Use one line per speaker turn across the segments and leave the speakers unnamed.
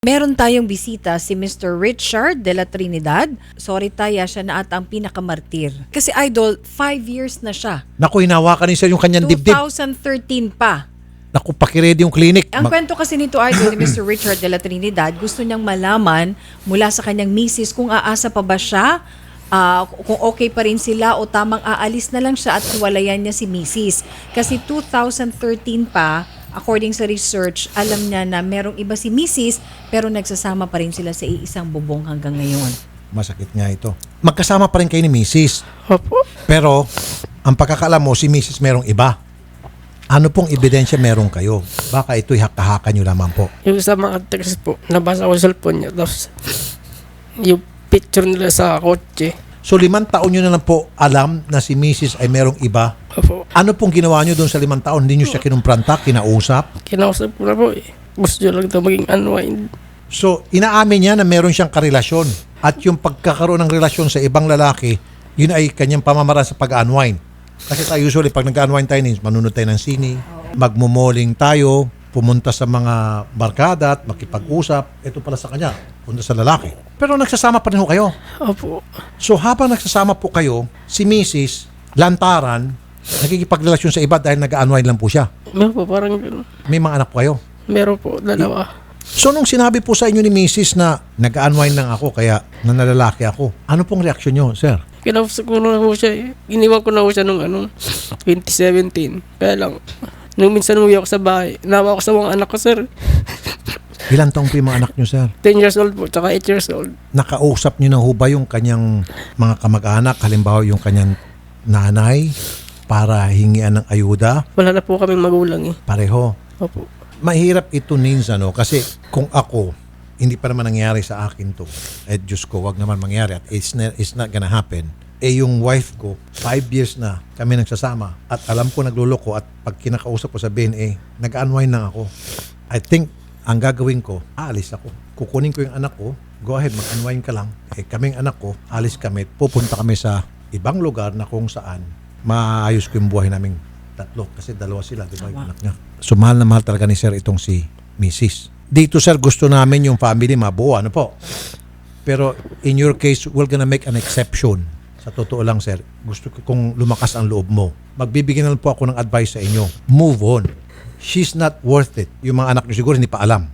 Meron tayong bisita, si Mr. Richard de la Trinidad. Sorry Taya, siya na ata ang pinakamartir. Kasi idol, 5 years na siya.
Naku, hinawakan ni sir yung kanyang dibdib.
2013 pa.
Naku, pakiredy yung clinic.
Ang kwento kasi nito idol ni Mr. Richard de la Trinidad, gusto niyang malaman mula sa kanyang misis kung aasa pa ba siya, kung okay pa rin sila o tamang aalis na lang siya at hiwalayan niya si misis. Kasi 2013 pa, according sa research, alam niya na merong iba si misis pero nagsasama pa rin sila sa iisang bubong hanggang ngayon.
Masakit nga ito. Magkasama pa rin kayo ni Mrs.
Opo.
Pero, ang pagkakaalam mo, si Mrs. merong iba. Ano pong ebidensya meron kayo? Baka ito'y haka-haka nyo lamang po.
Yung sa mga text po, nabasa ko sa cellphone niya. Tapos, yung picture nila sa kotse.
So, 5 taon nyo na lang po alam na si Mrs. ay merong iba.
Opo.
Ano pong ginawa nyo doon sa 5 taon? Hindi nyo siya kinumpranta, kinausap?
Kinausap ko na po eh. Gusto niya lang ito maging unwind.
So, inaamin niya na meron siyang karelasyon. At yung pagkakaroon ng relasyon sa ibang lalaki, yun ay kanyang pamamaraan sa pag-unwind. Kasi tayo usually, pag nag-unwind tayo, manunod tayo ng sini, magmumoling tayo, pumunta sa mga barkada at makipag-usap. Ito pala sa kanya, punta sa lalaki. Pero nagsasama pa rin ho kayo.
Opo.
So habang nagsasama po kayo, si Mrs. lantaran, nakikipagrelasyon sa iba dahil nag-unwind lang po siya.
Meron po, parang gano'n.
May mga anak po kayo.
Meron po, dalawa.
So nung sinabi po sa inyo ni Mrs. na nag-unwind lang ako kaya nanlalaki ako, ano pong reaksyon nyo, sir?
Kinausap ko na po siya eh. Iniwan ko na po siya nung 2017. Kaya lang, nung minsan umuwi ako sa bahay, nawa ako sa mga anak ko, sir.
Ilan taong po yung mga anak nyo, sir?
10 years old po, tsaka 8 years old.
Nakausap nyo na ho ba yung kanyang mga kamag-anak, halimbawa yung kanyang nanay, para hingian ng ayuda?
Wala na po kaming magulang eh.
Pareho.
Opo.
Mahirap ito, Nins, kasi kung ako, hindi pa naman nangyari sa akin to. Diyos ko, wag naman mangyari at it's not gonna happen. Yung wife ko, 5 years na kami nagsasama at alam ko nagluloko at pag kinakausap ko sabihin, nag-unwind lang ako. I think, ang gagawin ko, aalis ako. Kukunin ko yung anak ko, go ahead, mag-unwind ka lang. Kaming anak ko, alis kami, pupunta kami sa ibang lugar na kung saan maayos ko yung buhay naming tatlo. Kasi 2 sila, di ba, yung anak niya. So, mahal na mahal talaga ni sir itong si Mrs. Dito, sir, gusto namin yung family mabuo, ano po? Pero, in your case, we're gonna make an exception. Sa totoo lang, sir, gusto ko kung lumakas ang loob mo. Magbibigyan na lang po ako ng advice sa inyo. Move on. She's not worth it. Yung mga anak niyo siguro hindi pa alam.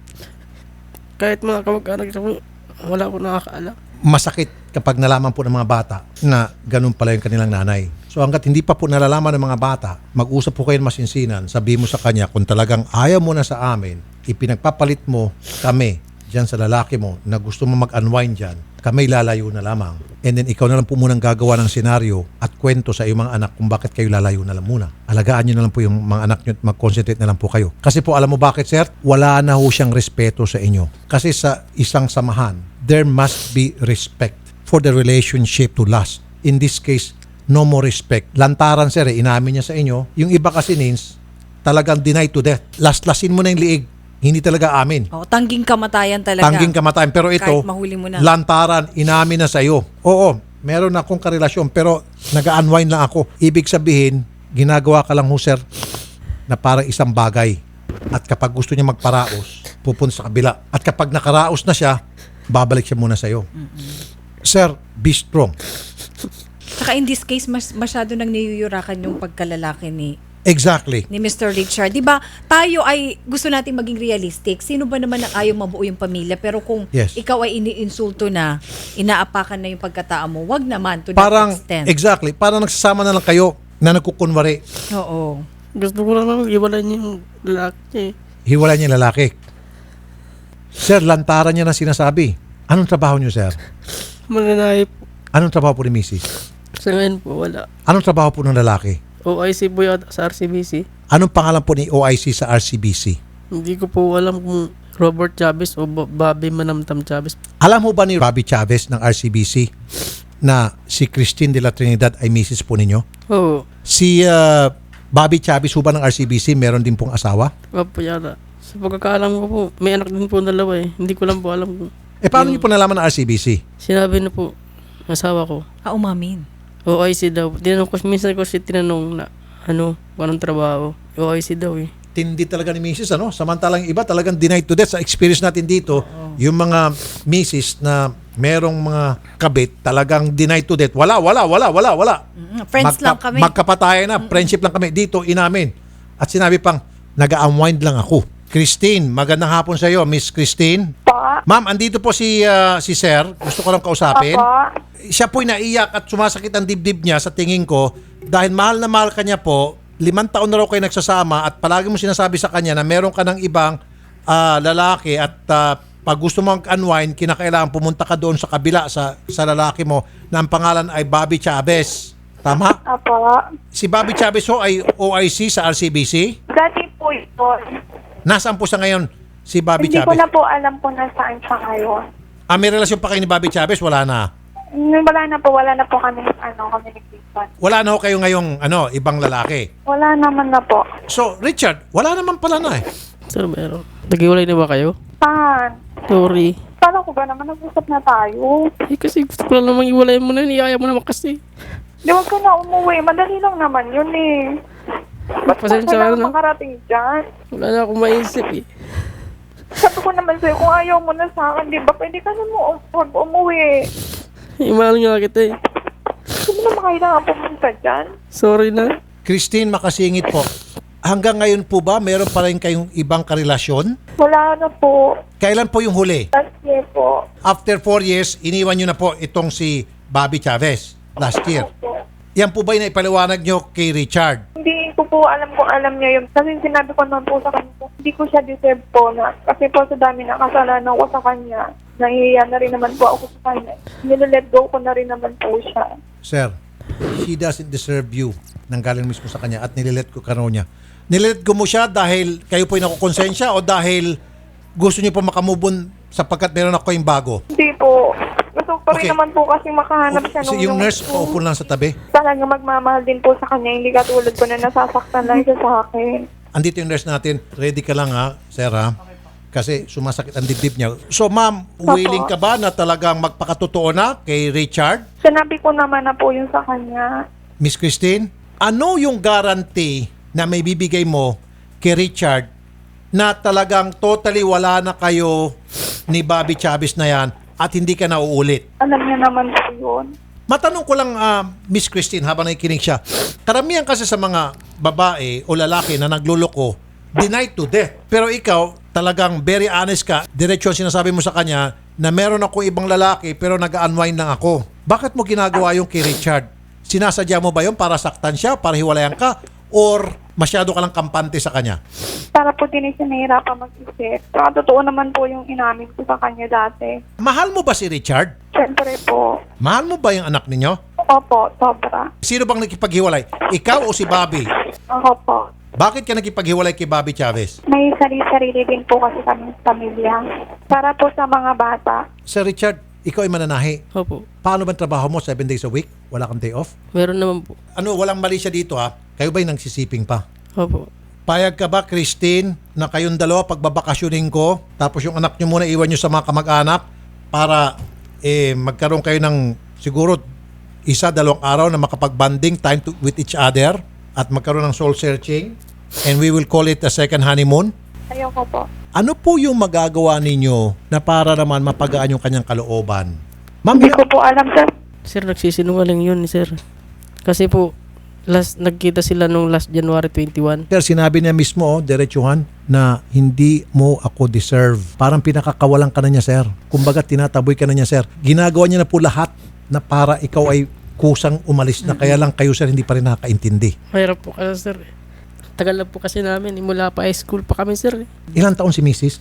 Kahit mga kamag-anak ko, wala ko nakakaalam.
Masakit kapag nalaman po ng mga bata na ganun pala yung kanilang nanay. So hanggat hindi pa po nalalaman ng mga bata, mag-usap po kayo ng masinsinan, sabihin mo sa kanya kung talagang ayaw mo na sa amin, ipinagpapalit mo kami dyan sa lalaki mo na gusto mo mag-unwind dyan, kami lalayo na lamang. And then ikaw na lang po munang gagawa ng senaryo at kwento sa iyong mga anak kung bakit kayo lalayo na lang muna. Alagaan nyo na lang po yung mga anak nyo at mag-concentrate na lang po kayo. Kasi po alam mo bakit, sir? Wala na ho siyang respeto sa inyo. Kasi sa isang samahan, there must be respect for the relationship to last. In this case, no more respect. Lantaran, sir, inamin niya sa inyo. Yung iba kasi, Nins, talagang deny to death. Last-lasin mo na yung liig. Hindi talaga amin.
Tangging kamatayan talaga.
Tangging kamatayan. Pero ito,
kahit mahuli mo na.
lantaran, inamin na sa iyo. Oo, meron akong karelasyon pero nag-unwind lang ako. Ibig sabihin, ginagawa ka lang ho, sir, na parang isang bagay. At kapag gusto niya magparaos, pupunta sa kabila. At kapag nakaraos na siya, babalik siya muna sa iyo. Sir, be strong.
Saka in this case, masyado nang niyuyurakan yung pagkalalaki ni
Exactly.
Mr. Richard. Diba, tayo ay gusto natin maging realistic. Sino ba naman ang ayaw mabuo yung pamilya? Pero kung
Yes.
ikaw ay iniinsulto na, inaapakan na yung pagkatao mo, wag naman to
Parang,
that extent.
exactly. Parang nagsasama na lang kayo na nagkukunwari.
Oo.
Gusto ko lang iwalay niya yung lalaki eh.
Hiwalay niya yung lalaki. Sir, lantaran niya na sinasabi. Anong trabaho niyo, sir?
Mananay po.
Anong trabaho po ni Mrs.?
Sa ngayon po, wala.
Anong trabaho po ng lalaki?
OIC po yata sa RCBC.
Anong pangalan po ni OIC sa RCBC?
Hindi ko po alam kung Robert Chavez o Bobby Manamtam Chavez.
Alam mo ba ni Bobby Chavez ng RCBC na si Christine de la Trinidad ay misis po ninyo?
Oo.
Si Bobby Chavez po ba ng RCBC meron din pong asawa?
Opo yata. Sa pagkakaalam ko po, may anak din po 2 eh. Hindi ko lang po alam kung...
Paano niyo po nalaman ng RCBC?
Sinabi na po, asawa ko.
Umamin.
OIC daw. Tinanong ko, minsan ko siya tinanong na, anong trabaho. OIC daw eh.
Tindi talaga ni Mrs. Samantalang iba talagang denied to death sa experience natin dito. Yung mga misis na merong mga kabit talagang deny to death. Wala.
Friends lang kami.
Magkapatayan na, friendship lang kami. Dito, inamin. At sinabi pang, nag-unwind lang ako. Christine, magandang hapon sa iyo, Miss Christine.
Pa.
Ma'am, andito po si Sir. Gusto ko lang kausapin.
Apa.
Siya po'y naiyak at sumasakit ang dibdib niya sa tingin ko dahil mahal na mahal ka niya po. 5 taon na raw kayo nagsasama at palagi mo sinasabi sa kanya na meron ka ng ibang lalaki at pag gusto mo mag-unwind, kinakailangan pumunta ka doon sa kabila sa lalaki mo na ang pangalan ay Bobby Chavez. Tama?
Apa.
Si Bobby Chavez ho ay OIC sa RCBC.
Dati po ito.
Nasaan po sa ngayon si Bobby
Hindi ko
Chavez?
na po alam kung nasaan siya ngayon.
May relasyon pa kayo ni Bobby Chavez? Wala na.
Wala na po kami, communication.
Wala na ho kayo ngayong ibang lalaki.
Wala naman na po.
So, Richard, wala naman pala na eh.
Sir, meron. Nag-iwalay na ba kayo?
Saan?
Sorry.
Kala ko ba naman nag-usap na tayo?
Kasi gusto ko lang namang iwalay mo na. Iyaya mo naman kasi.
Di wag ka na umuwi. Madali lang naman yun eh. Ba't pa
Pasensya
kailangan
na.
makarating dyan?
Wala na akong maisip eh.
Sabi ko naman sa'yo, kung ayaw mo na sa akin, di ba? Pwede ka na mo umuwi.
Imahal nga kita eh.
Hindi mo naman kailangan pumunta dyan.
Sorry na.
Christine, makasingit po. Hanggang ngayon po ba, meron pa rin kayong ibang karelasyon?
Wala na po.
Kailan po yung huli?
Last year po.
After 4 years, iniwan nyo na po itong si Bobby Chavez last year.
Po.
Yan po ba yung naipaliwanag nyo kay Richard?
Hindi ko po alam kung alam niya yun. Kasi sinabi ko naman po sa kanya, hindi ko siya deserve po na. Kasi po sa dami na kasalanan ko sa kanya, nahihiya na rin naman po ako sa kanya. Nilalet go ko na rin naman po siya.
Sir, she doesn't deserve you. Nanggaling mismo sa kanya at nililet ko kano niya. Nililet ko mo siya dahil kayo po'y nakukonsensya o dahil gusto niyo po makamove on sapagkat meron ako yung bago?
Hindi po. Gusto ko pa rin
Okay.
naman po kasi makahanap siya nung
Yung nurse, paupo lang sa tabi.
talaga magmamahal din po sa kanya. Hindi katulad ko na nasasaktan lang siya sa akin.
Andito yung nurse natin. Ready ka lang ha, sir ha? Kasi sumasakit ang dibdib niya. So ma'am, willing ka ba na talagang magpakatotoo na kay Richard?
Sinabi ko naman na po yun sa kanya.
Miss Christine, ano yung guarantee na may bibigay mo kay Richard na talagang totally wala na kayo ni Bobby Chavez na yan at hindi ka na uulit?
Alam niya naman po yun.
Matanong ko lang, Miss Christine, habang nakikinig siya, karamihan kasi sa mga babae o lalaki na nagluloko, denied to death. Pero ikaw, talagang very honest ka, diretso ang sinasabi mo sa kanya na meron ako ibang lalaki pero nag-unwind lang ako. Bakit mo ginagawa yung kay Richard? Sinasadya mo ba yun para saktan siya, para hiwalayan ka, or masyado ka lang kampante sa kanya?
Para po din siya nahirapan mag-isip. Saka totoo naman po yung inamin ko sa kanya dati.
Mahal mo ba si Richard?
Siyempre po.
Mahal mo ba yung anak ninyo?
Opo, sobra.
Sino bang nakipaghiwalay? Ikaw o si Bobby?
Ako po.
Bakit ka nakipaghiwalay kay Bobby Chavez?
May sarili-sarili din po kasi kami sa pamilya. Para po sa mga bata.
Sir Richard, ikaw ay mananahi.
Opo.
Paano ba ang trabaho mo? 7 days a week? Wala kang day off?
Meron naman po.
Ano, walang mali siya dito ha? Kayo ba'y nagsisiping pa?
Opo.
Payag ka ba, Christine, na kayong dalawa pagbabakasyonin ko, tapos yung anak nyo muna iwan nyo sa mga kamag-anak para magkaroon kayo ng siguro 1-2 araw na makapag-bonding time with each other at magkaroon ng soul searching and we will call it a second honeymoon?
Ayoko po.
Ano po yung magagawa ninyo na para naman mapagaan yung kanyang kalooban? Ma'am,
Hindi ko po alam, sir.
Sir, nagsisinungaling yun, sir. Kasi po, nagkita sila nung last January 21.
Sir, sinabi niya mismo, diretsuhan, na hindi mo ako deserve. Parang pinakakawalan ka na niya, sir. Kumbaga, tinataboy ka na niya, sir. Ginagawa niya na po lahat na para ikaw ay kusang umalis na. Kaya lang kayo, sir, hindi pa rin nakakaintindi.
Mahirap po kasi, sir. Tagal na po kasi namin. Mula pa high school pa kami, sir.
Ilang taon si Mrs.?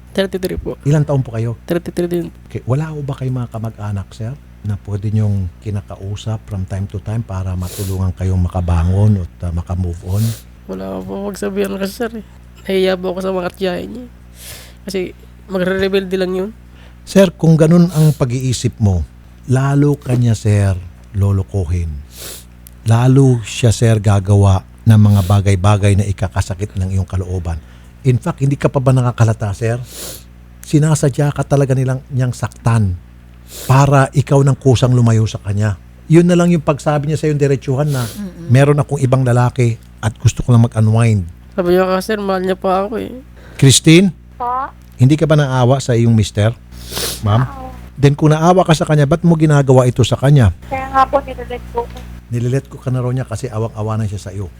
33 po.
Ilang taon po kayo?
33 din.
Okay. Wala ho ba kayo mga kamag-anak, sir, na pwede niyong kinakausap from time to time para matulungan kayong makabangon at makamove on?
Wala po magsabihan kasi, sir. Nahiya po ako sa mga tiyahin niya. Kasi magre-rebelde lang yun.
Sir, kung ganun ang pag-iisip mo, lalo kanya, sir, lolokohin. Lalo siya, sir, gagawa ng mga bagay-bagay na ikakasakit ng iyong kalooban. In fact, hindi ka pa ba nakakalata, sir? Sinasadya ka talaga niyang saktan para ikaw ng kusang lumayo sa kanya. Yun na lang yung pagsabi niya sa yung diretsuhan na meron akong ibang lalaki at gusto ko lang mag-unwind.
Sabi niya kasi, sir, mahal niya pa ako eh.
Christine,
Pa?
Hindi ka ba naawa sa iyong mister, ma'am? Then kung naawa ka sa kanya, ba't mo ginagawa ito sa kanya?
Kaya nga po, nilalet ko.
Nililet ko ka na raw niya kasi awang-awa na siya sa iyo.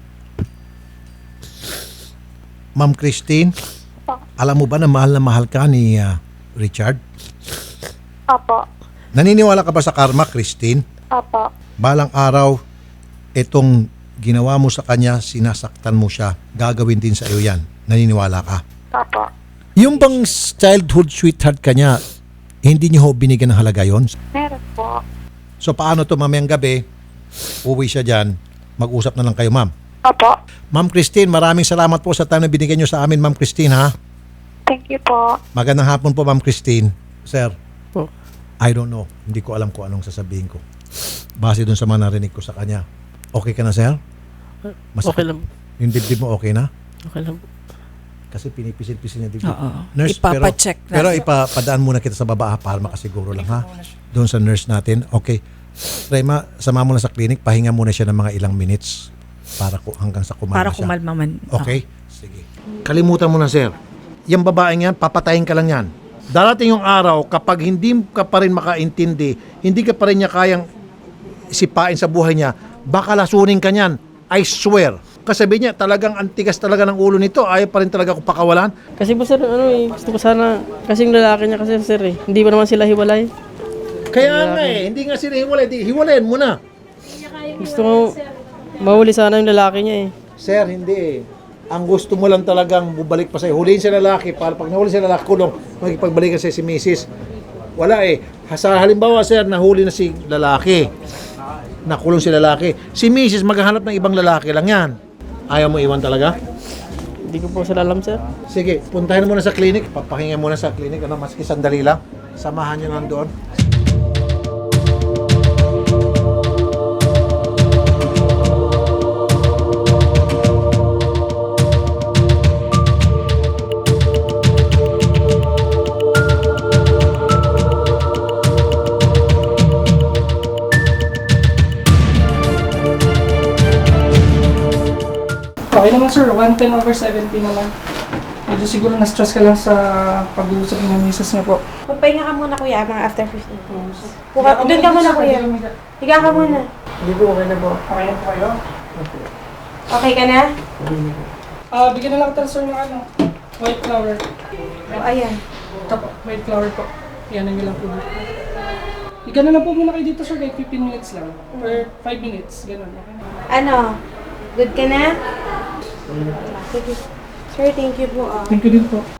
Ma'am Christine,
Opo.
alam mo ba na mahal ka ni Richard?
Opo.
Naniniwala ka ba sa karma, Christine?
Opo.
Balang araw, itong ginawa mo sa kanya, sinasaktan mo siya, gagawin din sa iyo yan. Naniniwala ka?
Opo.
Yung bang childhood sweetheart ka niya, hindi niyo ho binigyan ng halaga yon?
Meron po.
So paano to mamayang gabi, uwi siya dyan, mag-usap na lang kayo, ma'am.
Opo.
Ma'am Christine, maraming salamat po sa time na binigyan niyo sa amin, Ma'am Christine, ha?
Thank you po.
Magandang hapon po, Ma'am Christine. Sir,
Po.
I don't know. Hindi ko alam kung anong sasabihin ko. Base dun sa mga narinig ko sa kanya. Okay ka na, sir?
Okay lang.
Yung dibdib mo okay na?
Okay lang.
Kasi pinipisil-pisil niya dibdib.
Oo.
Nurse,
Ipapacheck na.
pero ipapadaan muna kita sa baba ha, para makasiguro lang, ha? Doon sa nurse natin. Okay. Rema, sama mo na sa clinic. Pahinga muna siya ng mga ilang minutes para hanggang sa kumalma
Para
siya.
kumalma man.
Okay? Sige. Kalimutan mo na, sir. Yung babaeng yan, papatayin ka lang yan. Darating yung araw, kapag hindi ka pa rin makaintindi, hindi ka pa rin niya kayang sipain sa buhay niya, baka lasunin ka niyan. I swear. Kasi sabi niya, talagang antigas talaga ng ulo nito. Ayaw pa rin talaga ako pakawalan.
Kasi po sir, gusto ko sana, kasi yung lalaki niya kasi sir hindi ba naman sila hiwalay?
Kaya nga hindi nga sila hiwalay. Hiwalayin mo na.
Gusto ko, mahuli sana yung lalaki niya eh.
Sir, hindi. Ang gusto mo lang talagang bubalik pa sa'yo. Huliin si lalaki. Para pag nahuli si lalaki, kulong. Makipagbalikan sa'yo si Mrs. Wala eh. Sa halimbawa, sir, nahuli na si lalaki. Nakulong si lalaki. Si Mrs. maghahanap ng ibang lalaki lang yan. Ayaw mo iwan talaga?
Hindi ko po sila alam sir.
Sige, puntahin mo na sa clinic. Papahinga muna sa clinic. Maski sandali lang. Samahan nyo nandoon.
Okay naman sir, 110/70 naman. Medyo siguro na-stress ka lang sa pag-uusap ng misis niya po.
Magpahinga ka muna kuya, mga after 15 minutes. Doon ka muna kuya. Higa ka muna.
Hindi po, okay na po.
Okay na po kayo?
Okay ka na?
Bigyan na lang kita sir ng white flower.
O ayan.
Tapo, white flower po. Yan ang ilang po dito. Higa na lang po muna kayo dito sir, kahit 15 minutes lang. Or 5 minutes, ganun. Okay na.
Ano? Good ka na? Sige. Sir, thank you po.
Thank you din po.